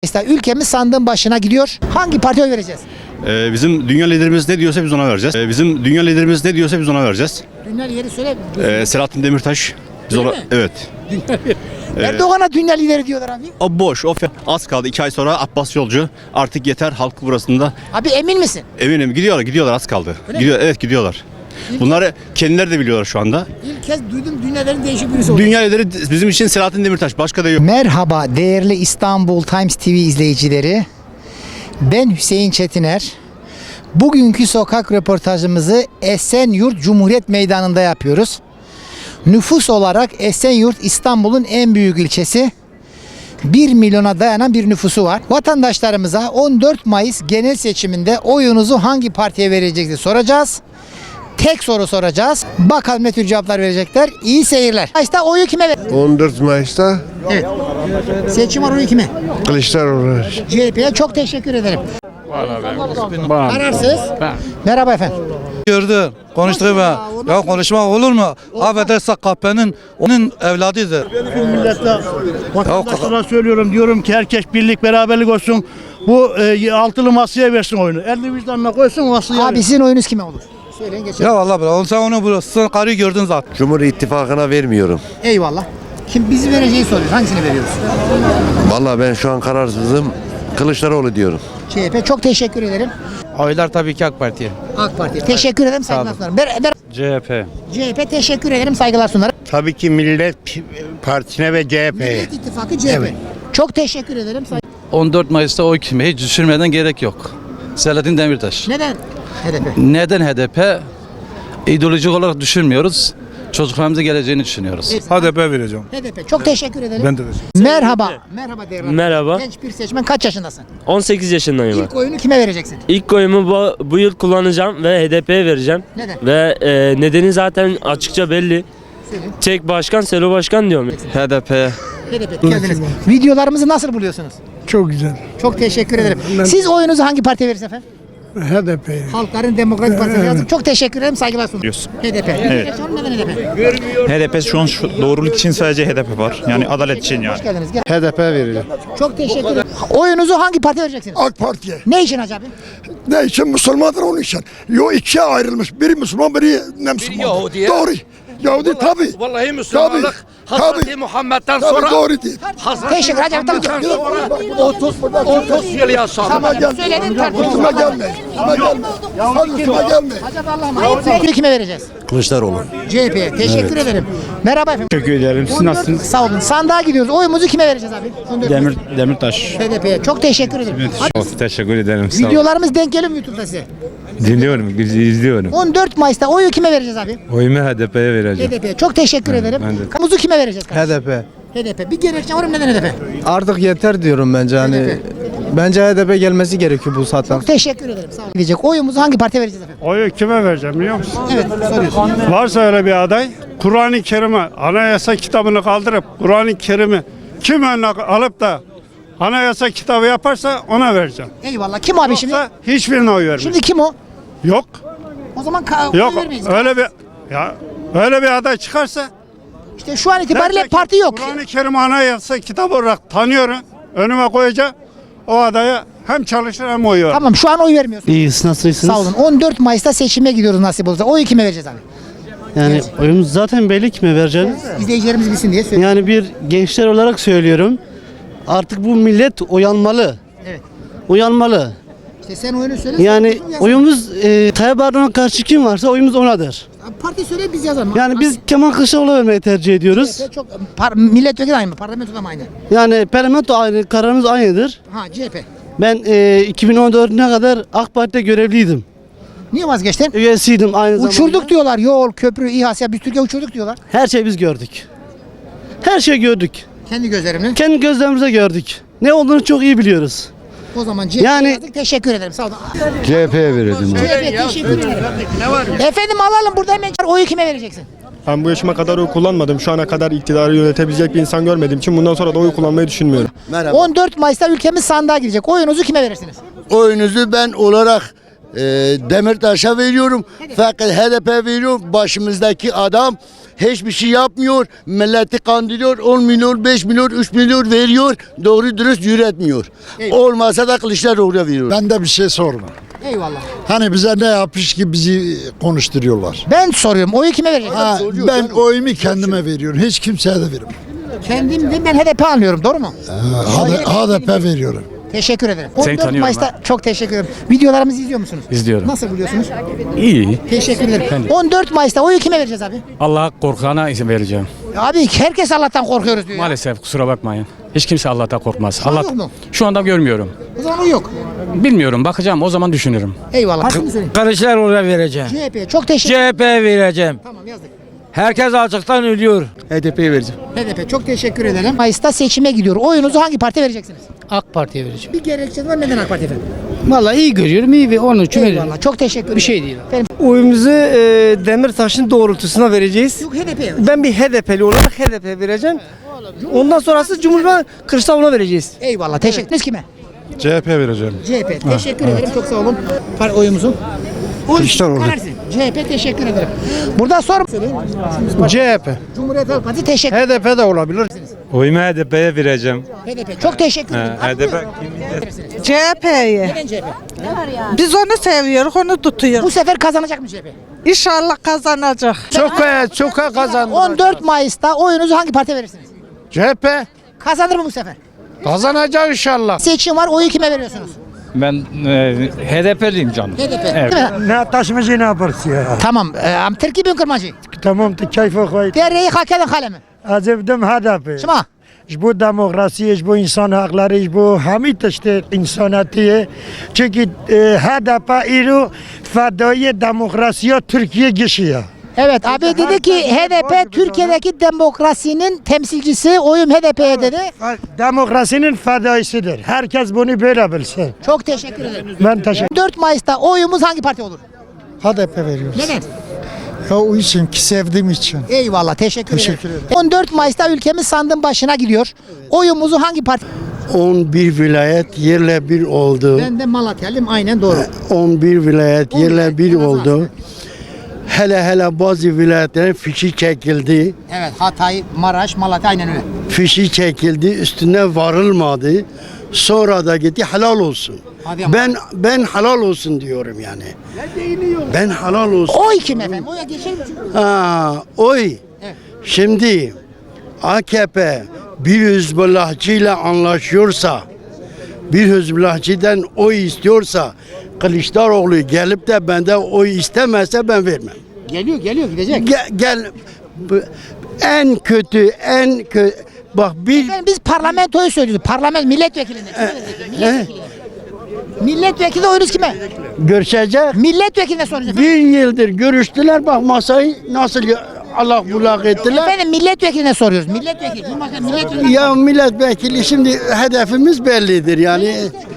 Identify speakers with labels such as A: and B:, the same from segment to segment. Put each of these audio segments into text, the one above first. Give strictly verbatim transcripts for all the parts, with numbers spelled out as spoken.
A: Mesela ülkemiz sandığın başına gidiyor. Hangi partiye oy vereceğiz?
B: Ee, bizim dünya liderimiz ne diyorsa biz ona vereceğiz. Ee, bizim dünya liderimiz ne diyorsa biz ona vereceğiz.
A: Dünya lideri söyle.
B: Ee, Selahattin Demirtaş. Biz
A: Öyle
B: ona,
A: mi?
B: evet.
A: Erdoğan'a dünya lideri diyorlar abi.
B: O boş. O fe- az kaldı. iki ay sonra Abbas Yolcu. Artık yeter halk burasında.
A: Abi emin misin?
B: Eminim gidiyorlar. Gidiyorlar az kaldı.
A: Öyle
B: Gidiyor, evet gidiyorlar. Bunları kendileri de biliyorlar şu anda.
A: İlk kez duydum dünyaların değişik birisi oldu.
B: Dünya lideri bizim için Selahattin Demirtaş. Başka da yok.
A: Merhaba değerli İstanbul Times T V izleyicileri. Ben Hüseyin Çetiner. Bugünkü sokak röportajımızı Esenyurt Cumhuriyet Meydanı'nda yapıyoruz. Nüfus olarak Esenyurt İstanbul'un en büyük ilçesi. bir milyona dayanan bir nüfusu var. Vatandaşlarımıza on dört Mayıs genel seçiminde oyunuzu hangi partiye vereceksiniz soracağız. Tek soru soracağız. Bakalım ne tür cevaplar verecekler. İyi seyirler. Mayıs'ta oyu kime ver?
C: on dört Mayıs'ta
A: Evet. Seçim var, oyu kime?
C: Kılıçdaroğlu.
A: C H P'ye çok teşekkür ederim. Kararsız. Merhaba efendim.
D: Gördü. Konuştuk be. Ya konuşmak olur mu? Affederse kahpenin onun evladıdır.
E: Millete, vatandaşlara söylüyorum, diyorum ki herkes birlik beraberlik olsun. Bu e, altılı masaya versin oyunu. Elini vicdanına koysun, masaya
A: Abi sizin oyunuz kime olur? Söyleyin geçelim.
D: Ya vallahi bile. Sen onu burası karıyı gördün zaten.
C: Cumhur İttifakı'na vermiyorum.
A: Eyvallah. Kim bizi vereceği soruyor. Hangisini veriyoruz?
C: Vallahi ben şu an kararsızım. Kılıçdaroğlu diyorum.
A: C H P çok teşekkür ederim.
D: Oylar tabii ki AK Parti'ye.
A: AK Parti. Teşekkür ederim, saygılar sunarım. Ber, ber,
D: C H P.
A: C H P teşekkür ederim, saygılar sunarım.
F: Tabii ki Millet Partisi'ne ve C H P'ye.
A: Millet İttifakı C H P. Çok teşekkür ederim. Say-
D: on dört Mayıs'ta oy kime hiç düşünmeden gerek yok. Selahattin Demirtaş.
A: Neden? H D P.
D: Neden H D P? İdeolojik olarak düşünmüyoruz. Çocuklarımızın geleceğini düşünüyoruz.
A: H
D: D P vereceğim.
A: H D P. Çok teşekkür ederim.
D: Ben de
A: Merhaba. Merhaba değerli.
G: Merhaba.
A: Genç bir seçmen, kaç yaşındasın?
G: on sekiz yaşındayım ben.
A: İlk oyunu kime vereceksin?
G: İlk oyumu bu, bu yıl kullanacağım ve H D P'ye vereceğim.
A: Neden?
G: Ve e, nedeni zaten açıkça belli.
A: Söyle.
G: Tek başkan, Selo başkan diyorum.
D: H D P'ye.
A: H D P. Geldiniz. Videolarımızı nasıl buluyorsunuz?
E: Çok güzel.
A: Çok teşekkür ederim. Siz oyunuzu hangi partiye verirsiniz efendim?
E: H D P.
A: Halkların Demokratik Partisi yazdık. Çok teşekkür ederim. Saygılar sunuyorum. H D P. Evet. Neden H D P?
H: H D P şu an şu doğruluk için sadece H D P var. Yani adalet için yani.
A: Hoş geldiniz. Gel.
C: H D P vereceğim.
A: Çok teşekkür ederim. Oyunuzu hangi partiye vereceksiniz?
I: AK Parti'ye.
A: Ne için acaba?
I: Ne için? Müslümandır onun için. Yo ikiye ayrılmış. Biri Müslüman, biri ne Müslüman.
J: Yahudiye.
I: Doğru. Yahudi tabi.
J: Vallahi Müslümanlık Hazreti Muhammed'den
I: Tabii
J: sonra
I: doğru değil.
A: Teşekkür ederim. Tamam.
I: otuz
J: otuz yıl yaşadı.
A: Tamam. Söyledin tartışma.
I: Üstüme gelme. Üstüme gelme. Hadi üstüme gelme.
A: Acaba Allah'ım. Kime vereceğiz?
C: Kılıçdaroğlu.
A: C H P'ye. Teşekkür ederim. Merhaba efendim.
H: Teşekkür ederim. Siz nasılsınız?
A: Sağ olun. Sandığa gidiyoruz. Oyumuzu kime vereceğiz abi?
H: Demir, Demirtaş.
A: H D P'ye. Çok teşekkür ederim. Hadi.
H: Teşekkür ederim.
A: Videolarımız denk geliyor mu YouTube'da size?
H: Dinliyorum, izliyorum.
A: on dört Mayıs'ta oyu kime vereceğiz abi?
H: Oyumu H D P'ye vereceğim.
A: H D P'ye. Çok teşekkür ederim.
H: ben de.
A: Kamuzu kime vereceğiz?
D: H D P.
A: H D P. Bir gerekçe var mı? Neden H D P?
D: Artık yeter diyorum bence
A: H D P.
D: Bence H D P gelmesi gerekiyor bu saatten.
A: Çok teşekkür ederim. Sağ olun. Diyecek. Oyumuzu hangi partiye vereceğiz efendim?
E: Oyu kime vereceğim biliyor musun?
A: Evet, soruyorsun.
E: Varsa öyle bir aday, Kur'an-ı Kerim'i, anayasa kitabını kaldırıp Kur'an-ı Kerim'i kim önüne alıp da anayasa kitabı yaparsa ona vereceğim.
A: Eyvallah. Kim abi şimdi?
E: Yoksa hiçbirine oy vermem.
A: Şimdi kim o?
E: Yok.
A: O zaman ka-
E: Yok.
A: oy vermeyiz.
E: Öyle bir ya öyle bir aday çıkarsa
A: İşte şu an itibariyle
E: derse ki,
A: parti yok.
E: Kur'an-ı Kerim anayasa kitabı olarak tanıyorum. Önüme koyacağım. O adaya hem çalışır hem oy verir.
A: Tamam, şu an oy vermiyorsun.
J: İyiyiz, nasılsınız?
A: Sağ olun. on dört Mayıs'ta seçime gidiyoruz nasip olursa. Oyu kime vereceğiz abi?
J: Yani oyumuz zaten belli kime vereceğiz.
A: İzleyicilerimiz bilsin diye söylüyorum.
J: Yani bir gençler olarak söylüyorum. Artık bu millet uyanmalı.
A: Evet.
J: Uyanmalı.
A: İşte sen oyunu söyle.
J: Yani
A: sen yazalım.
J: oyumuz e, Tayyip Erdoğan'a karşı kim varsa oyumuz onadır.
A: Parti söyle, biz yazalım.
J: Yani biz Kemal Kılıçdaroğlu'na vermeyi tercih ediyoruz.
A: Çok par, milletvekili aynı mı? Parlamento da mı aynı?
J: Yani parlamento aynı, kararımız aynıdır.
A: Ha, C H P.
J: Ben e, iki bin on dört'üne kadar AK Parti'de görevliydim.
A: Niye vazgeçtin?
J: Üyesiydim aynı zamanda.
A: Uçurduk diyorlar. Yol, köprü, İHA, SİHA, biz Türkiye uçurduk diyorlar.
J: Her şeyi biz gördük. Her şeyi gördük.
A: Kendi gözlerimle.
J: Kendi gözlerimize gördük. Ne olduğunu çok iyi biliyoruz.
A: O zaman C H P
J: Yani-
A: yazdık. Teşekkür ederim. Sağ olun.
C: C H P'ye vereceğim.
A: C H P teşekkür ederim. Efendim alalım, burada hemen oyu kime vereceksin?
K: Ben bu yaşıma kadar oy kullanmadım. Şu ana kadar iktidarı yönetebilecek bir insan görmediğim için bundan sonra da oy kullanmayı düşünmüyorum.
A: on dört Mayıs'ta ülkemiz sandığa girecek. Oyunuzu kime verirsiniz?
C: Oyunuzu ben olarak
I: e, Demirtaş'a veriyorum. Fakat H D P veriyorum. Başımızdaki adam hiçbir şey yapmıyor. Milleti kandırıyor. on milyon, beş milyon, üç milyon veriyor. Doğru dürüst yürütmüyor. Olmasa da Kılıçdaroğlu'na veriyor.
L: Ben de bir şey sorma.
A: Eyvallah.
L: Hani bize ne yapmış ki bizi konuşturuyorlar.
A: Ben soruyorum. Oyu kime vereceksin?
L: Ha, ben oyumu kendime veriyorum. Hiç kimseye de vermem.
A: Kendim de ben H D P anlıyorum. Doğru mu?
L: H D P veriyorum.
A: Teşekkür ederim.
H: Seni
A: on dört
H: tanıyorum
A: Mayıs'ta çok teşekkür ederim. Videolarımızı izliyor musunuz?
H: İzliyorum.
A: Nasıl buluyorsunuz?
H: İyi.
A: Teşekkür ederim. on dört Mayıs'ta oyu kime vereceğiz abi?
H: Allah korkana isim vereceğim.
A: Abi herkes Allah'tan korkuyoruz diyor. ya.
H: Maalesef kusura bakmayın. Hiç kimse Allah'tan korkmaz.
A: an
H: Allah
A: yok mu?
H: şu anda görmüyorum.
A: O zaman o yok.
H: Bilmiyorum, bakacağım, o zaman düşünürüm.
A: Eyvallah. Hakkını söyleyeyim.
J: Kılıçdaroğlu'na vereceğim.
A: C H P çok teşekkür
J: C H P'ye vereceğim.
A: Tamam yazdık.
J: Herkes açıktan ölüyor.
D: H D P'ye vereceğim.
A: H D P çok teşekkür ederim. Mayıs'ta seçime gidiyor. Oyunuzu hangi partiye vereceksiniz?
J: AK Parti'ye vereceğim.
A: Bir gerekçe var, neden AK Parti efendim?
J: Vallahi iyi görüyorum, iyi ve onun için
A: Eyvallah. Çok teşekkür ederim. Bir şey değil. Efendim,
J: Oyumuzu e, Demirtaş'ın doğrultusuna vereceğiz.
A: yok H D P'ye.
J: Ben bir H D P'li olarak H D P'ye vereceğim. Ondan sonrası Cumhurbaşkanı Kılıçdaroğlu'na vereceğiz.
A: Eyvallah. Teşekkür ederiz. Kime?
L: C H P vereceğim.
A: C H P. Teşekkür ederim. Çok sağ olun. Par oyumuzu. Kılıçdaroğlu. C H P teşekkür ederim. Burada sor.
L: C H P.
A: Cumhuriyet Halk Partisi teşekkür
L: H D P de olabilir.
H: Oyumu H D P'ye vereceğim.
A: H D P. Çok teşekkür ederim.
H: H D P
M: C H P'ye.
A: Neden C H P?
M: Biz onu seviyoruz, onu tutuyoruz.
A: Bu sefer kazanacak mı C H P?
M: İnşallah kazanacak.
L: Çok çok kazandı.
A: on dört Mayıs'ta oyunuzu hangi partiye verirsiniz?
L: C H P
A: Kazanır mı bu sefer?
L: kazanacak inşallah.
A: Seçim var. Oyu kime veriyorsunuz?
H: Ben e, H D P'liyim canım.
A: H D P. Değil mi?
L: Ne taşımacı ne yaparsın ya?
A: Tamam. E, am Türkiye bin kırmacı.
L: Tamam da keyfe koy.
A: Dereyi hak eden kalemi.
L: Azevdim H D P.
A: Şuma.
L: Bu demokrasi, bu insan hakları, bu hamit işte insaniyeti. Çünkü e, H D P iru fedai demokrasiye Türkiye geçiyor.
A: Evet abi dedi ki H D P Türkiye'deki demokrasinin temsilcisi, oyum H D P'ye dedi.
L: Demokrasinin fedaisidir. Herkes bunu böyle bilsin.
A: Çok teşekkür ederim.
L: Ben teşekkür
A: dört Mayıs'ta oyumuz hangi parti olur?
L: H D P veriyoruz.
A: Neden?
L: Ya o için ki sevdiğim için.
A: Eyvallah teşekkür,
L: Teşekkür
A: ederim. on dört Mayıs'ta ülkemiz sandığın başına gidiyor. Oyumuzu hangi parti?
F: on bir vilayet yerle bir oldu.
A: Ben de Malatyalıyım aynen doğru.
F: on bir vilayet yerle bir
A: vilayet,
F: oldu. Hele hele bazı vilayetlerin fişi çekildi.
A: Evet Hatay, Maraş, Malatya aynen öyle.
F: Fişi çekildi, üstüne varılmadı. Sonra da gitti helal olsun.
A: Hadi ama.
F: Ben ben helal olsun diyorum yani. Ben helal olsun.
A: Oy kim efendim? Oya geçelim.
F: Ha, oy.
A: Evet.
F: Şimdi A K P bir Hizbullahçıyla anlaşıyorsa, bir Hizbullahçıdan oy istiyorsa, Kılıçdaroğlu gelip de benden oy istemezse ben vermem.
A: Geliyor geliyor gidecek.
F: Gel, gel bu- en kötü, en kötü. Bak bir
A: Efendim biz parlamentoyu söylüyoruz. Parlament milletvekilinde. Milletvekili. Milletvekili oyunuz kime?
F: görüşecek.
A: Milletvekiline soruyoruz.
F: Bir yıldır görüştüler, bak masayı nasıl Allah bulak ettiler.
A: Efendim milletvekiline soruyoruz. Milletvekili. Cumhurbaşkanı milletvekili.
F: Ya milletvekili şimdi hedefimiz bellidir yani.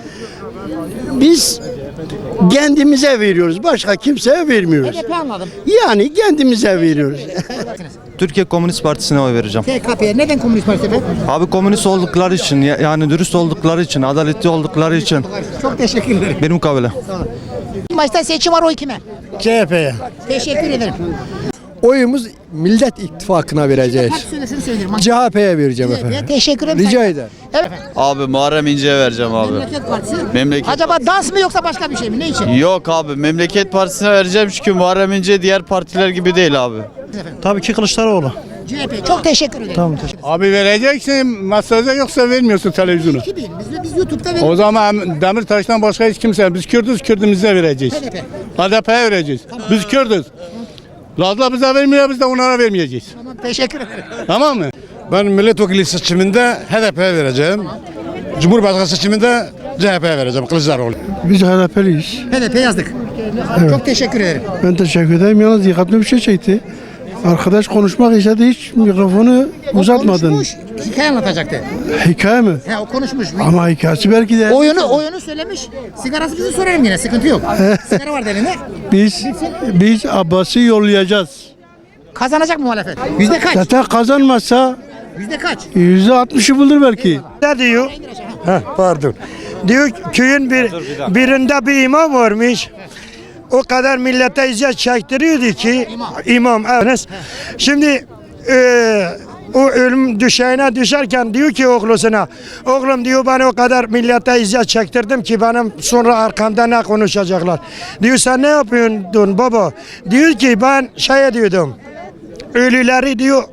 F: Biz kendimize veriyoruz. Başka kimseye vermiyoruz.
A: H D P anladım.
F: Yani kendimize veriyoruz.
D: Türkiye Komünist Partisi'ne oy vereceğim.
A: T K P'ye neden Komünist Parti efendim?
D: Abi komünist oldukları için, yani dürüst oldukları için, adaletli oldukları için.
A: Çok teşekkür ederim.
D: Benim mukabele.
A: Maçta seçim var oy kime?
L: C H P'ye.
A: Teşekkür ederim.
L: Oyumuz Millet İttifakı'na vereceğiz.
A: Parti söylesin söylerim.
L: C H P'ye vereceğim
A: C H P'ye
L: efendim.
A: teşekkür ederim.
L: Rica
A: Sayın-
L: ederim.
A: Evet.
B: Abi Muharrem İnce'ye vereceğim abi.
A: Memleket Partisi.
B: Memleket
A: Acaba dans mı yoksa başka bir şey mi? Ne için?
B: Yok abi, Memleket Partisi'ne vereceğim çünkü Muharrem İnce diğer partiler gibi değil abi.
L: Tabii ki Kılıçdaroğlu.
A: C H P. Çok teşekkür ederim. Tamam teşekkür
E: Abi vereceksin masada yoksa vermiyorsun televizyonu.
A: ederim. Biz, biz YouTube'da
E: O
A: veriyoruz.
E: zaman Demirtaş'tan başka hiç kimse. Biz Kürdüz, Kürdümüze vereceğiz.
A: H D P.
E: H D P'ye vereceğiz. Biz Kürdüz. Lazla bize vermiyor, biz de onlara vermeyeceğiz.
A: Tamam teşekkür ederim.
E: Tamam mı?
L: Ben milletvekili seçiminde H D P'ye vereceğim. Cumhurbaşkanı seçiminde C H P'ye vereceğim Kılıçdaroğlu. Biz H D P'liyiz.
A: H D P yazdık. Çok teşekkür ederim.
L: Ben teşekkür ederim. Yalnız dikkatli bir şey çekti. Arkadaş konuşmak istedi, hiç mikrofonu uzatmadın.
A: Konuşmuş, hikaye anlatacaktı.
L: Hikaye mi?
A: He o konuşmuş.
L: Ama hikayesi belki de
A: Oyunu oyunu söylemiş. Sigarası bizi sorarım yine sıkıntı yok. Sigara var elinde.
L: biz biz Abbas'ı yollayacağız.
A: Kazanacak mı muhalefet? Yüzde kaç?
L: Zaten kazanmazsa
A: Yüzde kaç?
L: yüzde altmışı bulur belki.
F: Ne diyor? Heh, pardon. Diyor ki, köyün bir birinde bir imam varmış.
L: o kadar millete eziyet çektiriyordu ki imam, evet. Şimdi e, o ölüm düşeğine düşerken diyor ki oğlusuna, oğlum diyor ben o kadar millete eziyet çektirdim ki benim sonra arkamda ne konuşacaklar. Diyor sen ne yapıyorsun baba? Diyor ki ben şey diyordum, ölüleri diyor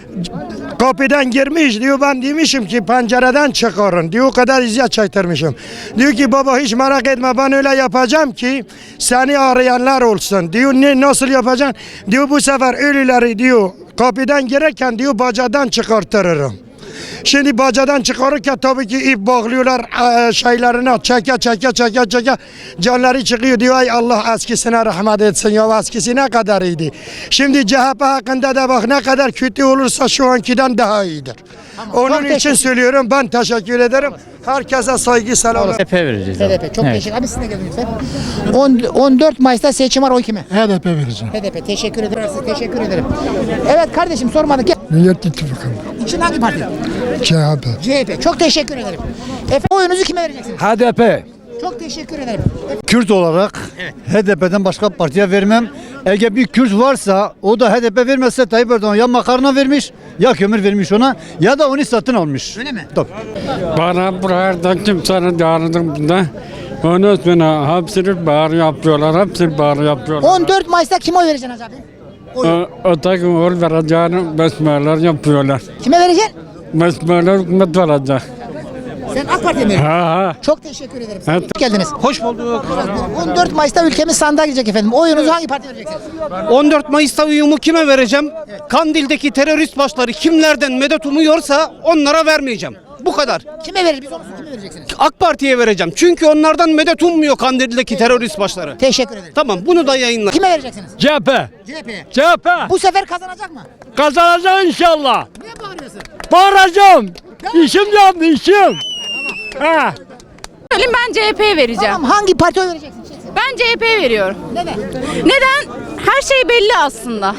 L: kapıdan girmiş diyor, ben demişim ki pencereden çıkarın diyor, o kadar eziyet çektirmişim. Diyor ki baba hiç merak etme, ben öyle yapacağım ki seni arayanlar olsun diyor. Ne, nasıl yapacaksın? Diyor bu sefer ölüleri diyor kapıdan girerken diyor bacadan çıkartırırım. Şimdi bacadan çıkarırken tabii ki ip bağlıyorlar e, şeylerine, çeke çeke çeke çeke canları çıkıyor diyor. Ay Allah eskisine rahmet etsin ya, eskisi ne kadar iyiydi. Şimdi C H P hakkında da bak ne kadar kötü olursa şu ankiden daha iyidir. Onun
A: Çok
L: için
A: teşekkür-
L: söylüyorum, ben teşekkür ederim. Herkese saygı selam.
A: H D P vereceğiz. H D P çok teşekkür. Abi siz de gelin lütfen. on, on dört Mayıs'ta seçim var, oy kime?
L: H D P vereceğim.
A: H D P teşekkür ederim. Size teşekkür ederim. Evet kardeşim sormadık. Gel.
L: Millet İttifakı.
A: İçin hangi parti?
L: C H P.
A: C H P. Çok teşekkür ederim. Efendim oyunuzu kime vereceksiniz?
J: H D P.
A: Çok teşekkür ederim.
J: Kürt olarak H D P'den başka partiye vermem. Eğer bir Kürt varsa o da H D P vermezse Tayyip Erdoğan ya makarna vermiş ya kömür vermiş ona ya da onu satın almış.
A: Öyle mi?
J: Tabii.
E: Bana burada kimsenin yardım onu sonra hepsini bağır yapıyorlar, hepsini bağır yapıyorlar.
A: on dört Mayıs'ta kime oy vereceksin abi? Oy.
E: Öteki oğul vereceğini besmeler yapıyorlar.
A: Kime vereceksin?
E: Besmeler hükümet verecek.
A: Sen AK Parti'ye mi vereceksin?
E: Ha ha.
A: Çok teşekkür ederim.
E: Evet.
A: Hoş geldiniz.
J: Hoş bulduk.
A: on dört Mayıs'ta ülkemiz sandığa girecek efendim. Oyunuzu hangi partiye vereceksiniz?
J: on dört Mayıs'ta uyumu kime vereceğim? Kandil'deki terörist başları kimlerden medet umuyorsa onlara vermeyeceğim. Bu kadar.
A: Kime verir? Biz onu kime vereceksiniz?
J: AK Parti'ye vereceğim. Çünkü onlardan medet ummuyor Kandil'deki terörist başları.
A: Teşekkür ederim.
J: Tamam, bunu da yayınla.
A: Kime vereceksiniz?
E: C H P.
A: C H P'ye.
E: C H P.
A: Bu sefer kazanacak mı?
E: Kazanacak inşallah.
A: Niye bağırıyorsun?
E: Bağıracağım. İşim yandı işim. Ha.
M: Ben C H P'ye vereceğim.
A: Tamam, hangi partiye oy vereceksin?
M: Ben C H P'ye veriyorum.
A: Neden?
M: Neden? Her şey belli aslında.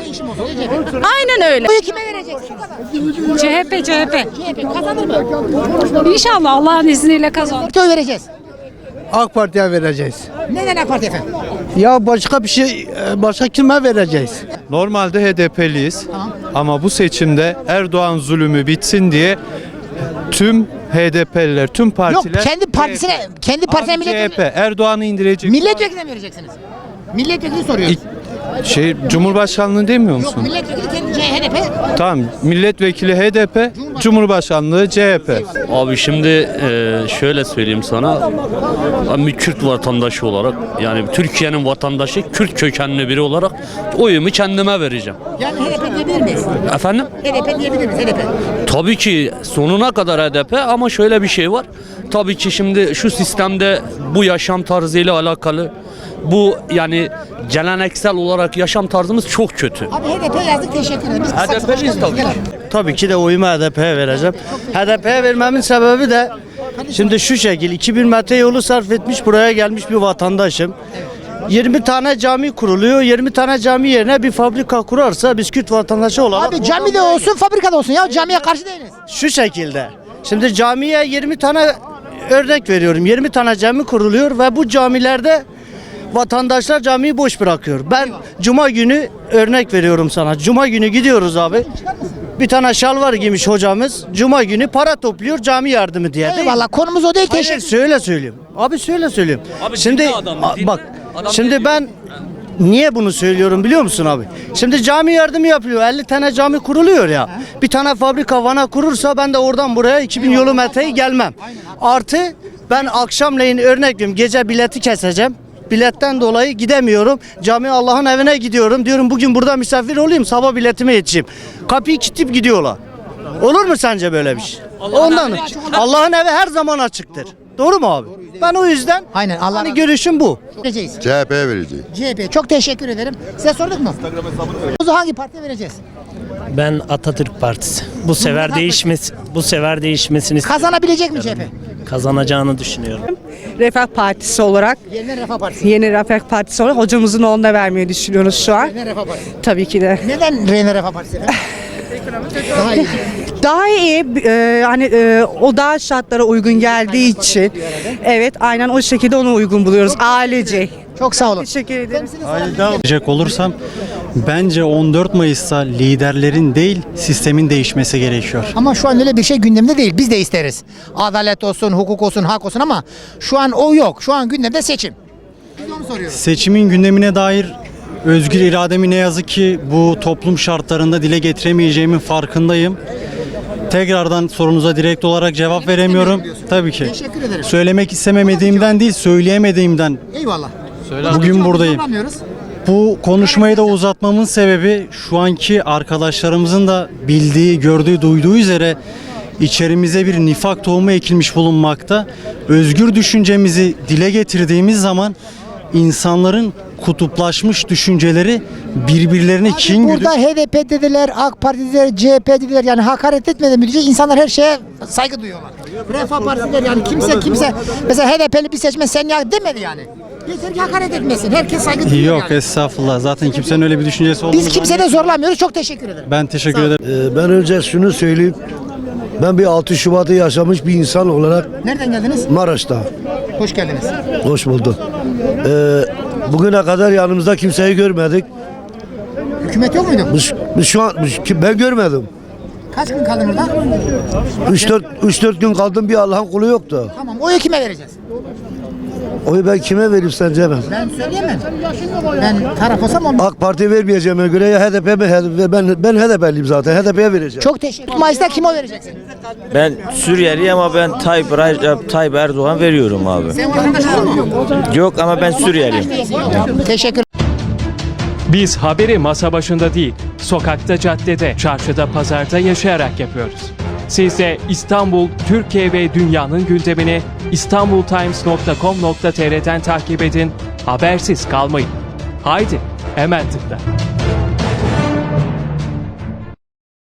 M: Aynen öyle.
A: Oyu kime vereceksin?
M: C H P, C H P.
A: C H P kazanır mı?
M: İnşallah Allah'ın izniyle kazanır.
A: Partiye oy vereceğiz.
J: AK Parti'ye vereceğiz.
A: Neden AK Parti efendim?
J: Ya başka bir şey, başka kime vereceğiz?
H: Normalde H D P'liyiz ama bu seçimde Erdoğan zulümü bitsin diye tüm H D P'liler, tüm
A: Yok
H: partiler
A: kendi partisine, kendi partisine
H: Abi C H
A: milletvekili.
H: P Erdoğan'ı indirecek.
A: Milletvekiline mi vereceksiniz? Milletvekili soruyoruz.
H: Şey Cumhurbaşkanlığı demiyor
A: Yok
H: musun?
A: milletvekili kendi H D P.
H: Tamam, milletvekili H D P, Cumhurbaşkanlığı C H P.
G: Abi şimdi e, şöyle söyleyeyim sana. Ben bir Kürt vatandaşı olarak, yani Türkiye'nin vatandaşı, Kürt kökenli biri olarak oyumu kendime vereceğim.
A: Yani H D P diyebilir miyiz?
G: Efendim?
A: H D P diyebilir miyiz? H D P.
G: Tabii ki sonuna kadar H D P ama şöyle bir şey var. Tabii ki şimdi şu sistemde bu yaşam tarzıyla alakalı bu yani geleneksel olarak yaşam tarzımız çok kötü.
A: Abi H D P yazdık, teşekkür ederim. Biz
G: H D P'liyiz tabii ki.
J: Tabii ki de oyumu H D P'ye vereceğim. H D P'ye vermemin sebebi de şimdi şu şekil, iki bin metre yolu sarf etmiş buraya gelmiş bir vatandaşım. yirmi tane cami kuruluyor. yirmi tane cami yerine bir fabrika kurarsa biz Kürt vatandaşı olarak...
A: Abi cami de olsun, fabrikada olsun ya, camiye karşı değiliz.
J: Şu şekilde. Şimdi camiye yirmi tane örnek veriyorum. yirmi tane cami kuruluyor ve bu camilerde vatandaşlar camiyi boş bırakıyor. Ben cuma günü örnek veriyorum sana. Cuma günü gidiyoruz abi. Bir tane şalvar giymiş hocamız. Cuma günü para topluyor cami yardımı diye.
A: Eyvallah, konumuz o değil,
J: Hayır,
A: teşekkür.
J: söyle söyleyeyim. Abi söyle söyleyeyim.
G: Abi
J: şimdi
G: dinle adamı,
J: a-
G: dinle.
J: bak.
G: Adam
J: şimdi
G: ne
J: ben niye bunu söylüyorum biliyor musun abi? Şimdi cami yardımı yapılıyor. elli tane cami kuruluyor ya. Bir tane fabrika Van'a kurursa ben de oradan buraya iki bin yolu metreyi gelmem. Artı ben akşamleyin örnek veriyorum gece bileti keseceğim. Biletten dolayı gidemiyorum. Cami Allah'ın evine gidiyorum. Diyorum bugün burada misafir olayım, sabah biletime yetişeyim. Kapıyı kilitleyip gidiyorlar. Olur mu sence böyle bir şey? Ondan Allah'ın evi her zaman açıktır. Doğru mu abi? Ben o yüzden
A: Aynen, Allah
J: hani
A: razı
J: görüşüm bu.
A: vereceğiz.
C: C H P'ye vereceğiz.
A: C H P. Çok teşekkür ederim. Size sorduk mu? Oyunuzu hangi partiye vereceğiz?
G: Ben Atatürk Partisi. Bu sefer değişmesi, bu sefer değişmesini
A: Kazanabilecek mi C H P?
G: kazanacağını düşünüyorum.
M: Refah Partisi olarak,
A: Yeniden Refah Partisi.
M: yeni Refah Partisi olarak hocamızın oğluna vermeyi düşünüyoruz şu an.
A: Yeniden Refah Partisi.
M: Tabii ki de.
A: Neden Yeniden Refah Partisi efendim? Daha iyi.
M: Daha iyi, e, hani e, o daha şartlara uygun geldiği için. Evet, aynen o şekilde onu uygun buluyoruz. Ailece.
A: Çok sağ olun.
M: Teşekkür ederim.
N: Diyecek olursam bence on dört Mayıs'ta liderlerin değil sistemin değişmesi gerekiyor.
A: Ama şu an öyle bir şey gündemde değil. Biz de isteriz. Adalet olsun, hukuk olsun, hak olsun ama şu an o yok. Şu an gündemde seçim. Biz de onu soruyoruz.
N: Seçimin gündemine dair özgür irademi ne yazık ki bu toplum şartlarında dile getiremeyeceğimin farkındayım. Tekrardan sorunuza direkt olarak cevap veremiyorum. Tabii ki.
A: Teşekkür ederim.
N: Söylemek istememediğimden değil, söyleyemediğimden
A: Eyvallah.
N: bugün buradayım.
A: Zorlamıyoruz.
N: Bu konuşmayı da uzatmamın sebebi şu anki arkadaşlarımızın da bildiği, gördüğü, duyduğu üzere içerimize bir nifak tohumu ekilmiş bulunmakta. Özgür düşüncemizi dile getirdiğimiz zaman insanların kutuplaşmış düşünceleri birbirlerine kin güdüp
A: Burada H D P dediler, AK Parti dediler, C H P dediler. Yani hakaret etmeden müdürce insanlar her şeye saygı duyuyorlar. Refah Partisi'ler yani kimse kimse mesela H D P'li bir seçmen sen ya demedi yani. Yeter ki hakaret etmesin. Herkes saygı duyuyor
N: yok
A: yani.
N: estağfurullah. Zaten kimsenin öyle bir düşüncesi olduğunu
A: Biz kimse de zorlamıyoruz. Çok teşekkür ederim.
N: ben teşekkür ederim.
I: Ee, ben önce şunu söyleyeyim. Ben bir altı Şubat'ı yaşamış bir insan olarak
A: Nereden geldiniz?
I: Maraş'ta.
A: Hoş geldiniz.
I: Hoş bulduk. Ee, bugüne kadar yanımızda kimseyi görmedik.
A: Hükümet yok muydu?
I: Biz, biz şu an biz- ben görmedim.
A: Kaç gün kaldın orada?
I: üç dört gün kaldım, bir Allah'ın kulu yoktu.
A: Tamam. Oyu kime vereceğiz?
I: Oyu ben kime vereyim sence ben?
A: Ben söyleyemem. Ben taraf olsam olmaz.
I: AK Parti vermeyeceğime göre ya H D P mi? H D P, ben ben H D P'liyim zaten. H D P'ye vereceğim.
A: Çok teşekkür. Mayıs'ta kime oy vereceksin?
O: Ben Suriyeli ama ben Tayyip, Recep Tayyip Erdoğan veriyorum abi.
A: Sen vatandaş mısın?
O: Yok ama ben Suriyeliyim.
A: Teşekkür.
P: Biz haberi masa başında değil, sokakta, caddede, çarşıda, pazarda yaşayarak yapıyoruz. Siz de İstanbul, Türkiye ve dünyanın gündemini istanbultimes nokta com nokta tr'den takip edin, habersiz kalmayın. Haydi, hemen tıkla.